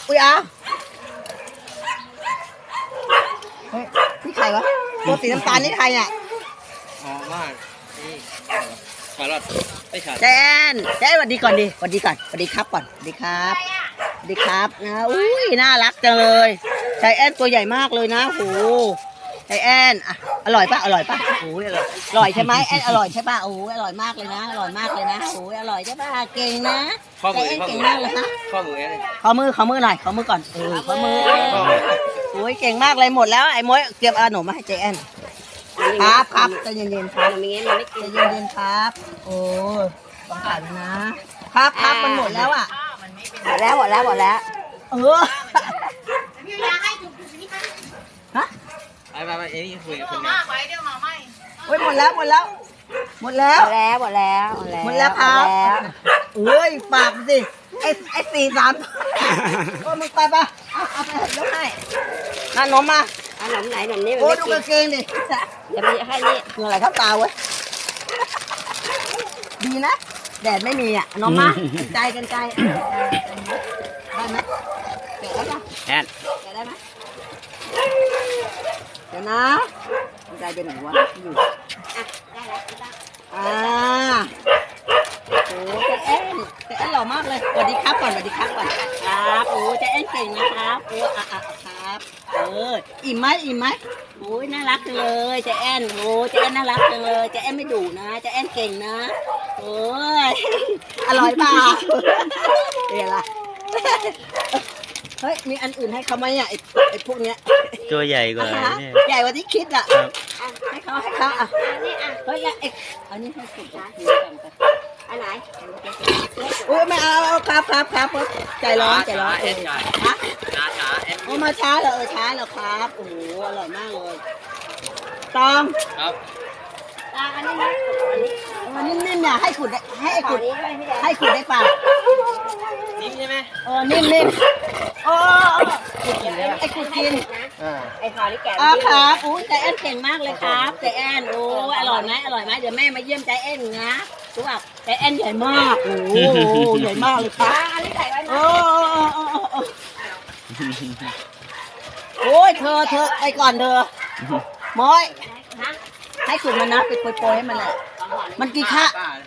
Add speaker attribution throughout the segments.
Speaker 1: อุ้ยอ้าวเฮ้ยนี่ใครวะตัวสีน้ำตาลนี่ใครเนี่ย
Speaker 2: อ๋อว่านี่ชาลอตไม่ชา
Speaker 1: แจนสวัสดีก่อนดิสวัสดีก่อนสวัสดีครับก่อนสวัสดีครับสวัสดีครับนะอุ้ยน่ารักจังเลยใจแอนตัวใหญ่มากเลยนะโหใจแอนอ่ะอร่อยปะโอ้ยอร่อยใช่ไหมแอนอร่อยใช่ปะโอ้ยอร่อยมากเลยนะอร่อยมากเลยนะโอ้ยอร่อยใช่ปะเก่งนะใจแอนเก่งมากเลยฮะ
Speaker 2: ข้อมือเนี่ย
Speaker 1: ขอมือหน่อยขอมือก่อนขอมือโอ้ยเก่งมากเลยหมดแล้วไอ้ม้อยเก็บขนมมาให้ใจแอนครับใจเย็นๆครับใจเย็นๆครับโอ้ต้องผ่านนะครับมันหมดแล้วอ่ะหมดแล้ว
Speaker 3: พี่ยาให้ถูกนี่ค่ะ
Speaker 1: ฮะ
Speaker 2: ไปเอ็นี่คุยกับคน
Speaker 3: มาไปเดี๋ยวมาไม่
Speaker 1: โอ้ยหมดแล้วครับเอ้ยปากสิไอ้4-3โอ้มึงไปปะเอาไปยกให้ขนมมา
Speaker 4: ขนมไหนขนมนี้
Speaker 1: โอ้ดูกางเกงดิ
Speaker 4: จะไปให้นี่
Speaker 1: เหงื่อไหลเข้าตาเว้ยดีนะแดดไม่มีอ่ะน้องมาใจกันใจได้ไหมแกะได้ปะ
Speaker 2: แอน
Speaker 1: แกะได้ไหมเดี๋ยวนะใจเป็นไหนวะอยู่
Speaker 4: ได้แล้ว
Speaker 1: โอ้ใจแอนหล่อมากเลยสวัสดีครับก่อนครับโอ้ใจแอนเก่งนะครับโอ้ครับอิ่มไหมโอ้ยน่ารักจังเลยใจแอนโอ้ใจแอนน่ารักจังเลยใจแอนไม่ดุนะใจแอนเก่งนะโอ้ยอร่อยเปล่าเดี๋ยวละเฮ้ยมีอันอื่นให้เขาไหมอ่ะไอ้พวกเนี้ย
Speaker 2: ตัวใหญ่กว่าเนี่ย
Speaker 1: ใหญ่กว่าที่คิดอ่ะให้เขาอ่ะเฮ้ยอันนี้ให้สุดนะ
Speaker 4: อันไหน
Speaker 1: โอ้ยไม่เอาครับใจร้อน
Speaker 2: เอ็น
Speaker 1: ฮะ
Speaker 2: ช้าเอ็น
Speaker 1: โอ้มาช้าเหรอช้าเหรอครับโอ้โหอร่อยมากเลยตอง
Speaker 2: ครับ
Speaker 4: อันนี้
Speaker 1: นิ่มเนี่ยให้ขุดได้ป่ะ
Speaker 2: นิ่มใช่ไหม
Speaker 1: นิ่มโอ้ไอ้ขุดกิน
Speaker 4: ไอ้พอที่แก
Speaker 1: ครับโอ้ใจแอนเก่งมากเลยครับใจแอนโอ้อร่อยไหมเดี๋ยวแม่มาเยี่ยมใจแอนนะรู้ป่ะใจแอนใหญ่มากโอ้ใหญ่มากเลยครับ
Speaker 4: อันนี้ใส่ไว้
Speaker 1: โอ้ยเธอไปก่อนเธอม้อยให้ขุดมันนะไปโปรยให้มันแหละมันกี่ค่า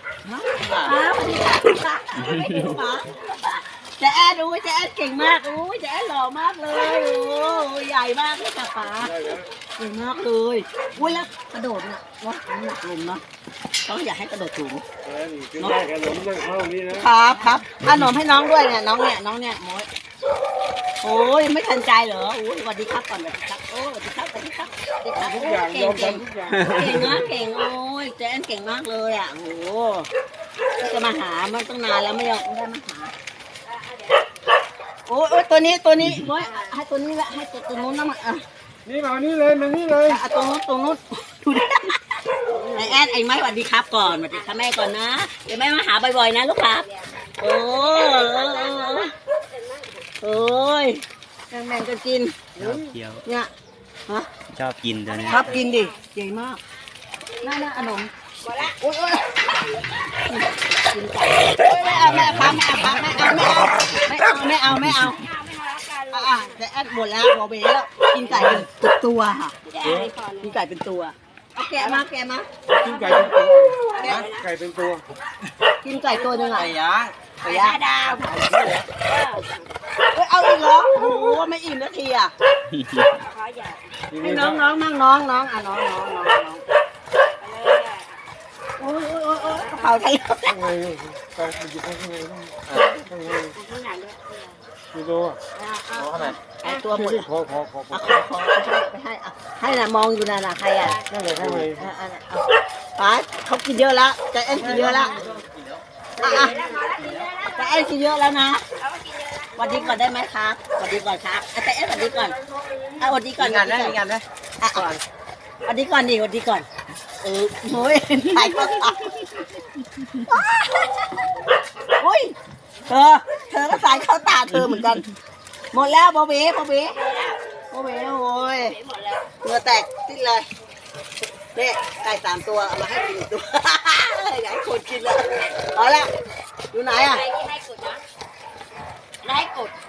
Speaker 1: จะแอนดูจะแอนเก่งมากจะแอนหล่อมากเลยใหญ่มากเลยค่ะป๋าเก่งมากเลยแล้วกระโดดน่ะว่ามันหนักลมเนาะเขาอยากให้กระโดดสูงครับขนมให้น้องด้วยเนี่ยน้องเนี่ยม้อยโอ้ยไม่ทันใจเหรอสวัสดีครับก่อนสวัสดีครับสวัสดีครับเก่งโอ้ยเจนเก่งมากเลยอ่ะโอ้จะมาหามันตั้งนานแล้วไม่ได้มาหาโอ้ยตัวนี้ม้อยให้ตัวนี้ละให้ตัวนู้นนะ
Speaker 2: นี่มานี่เลย
Speaker 1: ตัวนู้นดูดิไอแอนไอ้ไม้สวัสดีครับก่อนสวัสดีครับแม่ก่อนนะเดี๋ยวแม่มาหาบ่อยๆนะลูกครับโอ้ยแม่งก็กินเนี่ย
Speaker 2: ชอบกินตัวนี้
Speaker 1: ชอบกินดิใหญ่มากน่าขนมโอ้ยกินไก่ไม่เอาแต่แอดหมดแล้วบอกไปแล้วกินไก่เป็นตัวค่ะกินไก่เป็นตัวแกะมา
Speaker 2: กินไก่เป็นตัว
Speaker 1: กินไก่ตัวนึงอ่ะ
Speaker 4: ไก่ย่างดาว
Speaker 1: เอาอีกเหรอโอ้โหไม่อิ่มนาทีอ่ะให้น้องมั่งน้องน้องโอ้กระเป๋าไทย
Speaker 2: ข้างในมันอยู่ข้างในไม่รู้
Speaker 1: ไอตัวหมด
Speaker 2: พอ
Speaker 1: ให้น่ะมองอยู่น่ะใครอ่ะ
Speaker 2: นั่นเลยข้างใน
Speaker 1: ป๋าเขากินเยอะแล้วใจแอนกินเยอะแล้วใจแอนกินเยอะแล้วนะสวัสดีก่อนได้ไหมครับสวัสดีก่อนครับใจแอนสวัสดีก่อนสวัสดีก่อน
Speaker 2: งานนะ
Speaker 1: สวัสดีก่อนโอ้ยถ่ายก็โอ้ยเธอก็สายเข้าตาเธอเหมือนกันหมดแล้วโบเบ้โอ้ยเนื้อแตกสิ้นเลยเนี่ยไก่3 ตัวเอามาให้กินตัวอยากให้คนกินเลยเอาละอยู่ไหนอ่ะ
Speaker 4: ให้กด